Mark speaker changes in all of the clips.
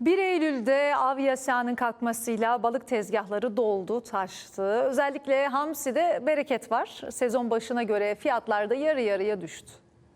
Speaker 1: 1 Eylül'de av yasağının kalkmasıyla balık tezgahları doldu, taştı. Özellikle hamside bereket var. Sezon başına göre fiyatlar da yarı yarıya düştü.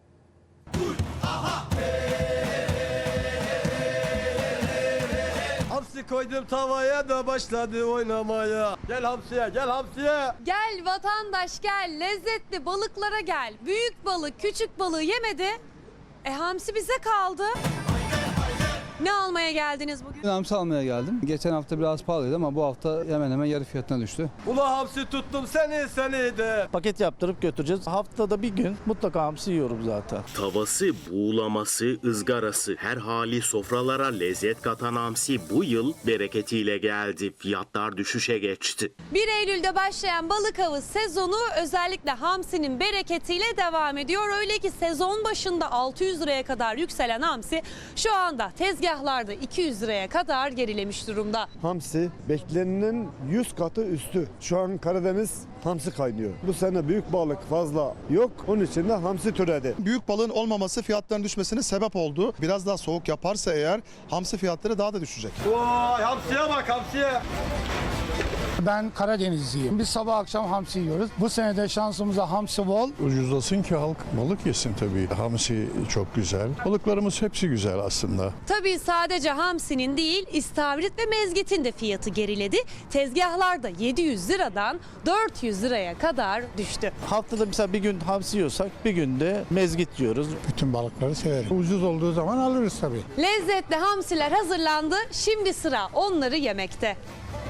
Speaker 2: Hamsi koydum tavaya da başladı oynamaya. Gel hamsiye, gel hamsiye.
Speaker 3: Gel vatandaş gel, lezzetli balıklara gel. Büyük balık, küçük balığı yemedi. Hamsi bize kaldı. Ne almaya geldiniz bugün?
Speaker 4: Hamsi almaya geldim. Geçen hafta biraz pahalıydı ama bu hafta hemen hemen yarı fiyatına düştü.
Speaker 2: Ula hamsi tuttum seni de.
Speaker 5: Paket yaptırıp götüreceğiz. Haftada bir gün mutlaka hamsi yiyorum zaten.
Speaker 6: Tavası, buğulaması, ızgarası, her hali sofralara lezzet katan hamsi bu yıl bereketiyle geldi. Fiyatlar düşüşe geçti.
Speaker 3: 1 Eylül'de başlayan balık avı sezonu özellikle hamsinin bereketiyle devam ediyor. Öyle ki sezon başında 600 liraya kadar yükselen hamsi şu anda tezgahlarda 200 liraya kadar gerilemiş durumda.
Speaker 7: Hamsi beklenenin 100 katı üstü. Şu an Karadeniz hamsi kaynıyor. Bu sene büyük balık fazla yok. Onun için de hamsi türedi.
Speaker 8: Büyük balığın olmaması fiyatların düşmesine sebep oldu. Biraz daha soğuk yaparsa eğer hamsi fiyatları daha da düşecek.
Speaker 2: Vay hamsiye bak hamsiye.
Speaker 9: Ben Karadenizliyim. Biz sabah akşam hamsi yiyoruz. Bu sene de şansımıza hamsi bol.
Speaker 10: Ucuzlasın ki halk balık yesin tabii. Hamsi çok güzel. Balıklarımız hepsi güzel aslında.
Speaker 3: Tabii sadece hamsinin değil, istavrit ve mezgitin de fiyatı geriledi. Tezgahlarda 700 liradan 400 liraya kadar düştü.
Speaker 5: Haftada mesela bir gün hamsi yiyorsak bir günde mezgit yiyoruz.
Speaker 9: Bütün balıkları severim. Ucuz olduğu zaman alırız tabii.
Speaker 3: Lezzetli hamsiler hazırlandı. Şimdi sıra onları yemekte.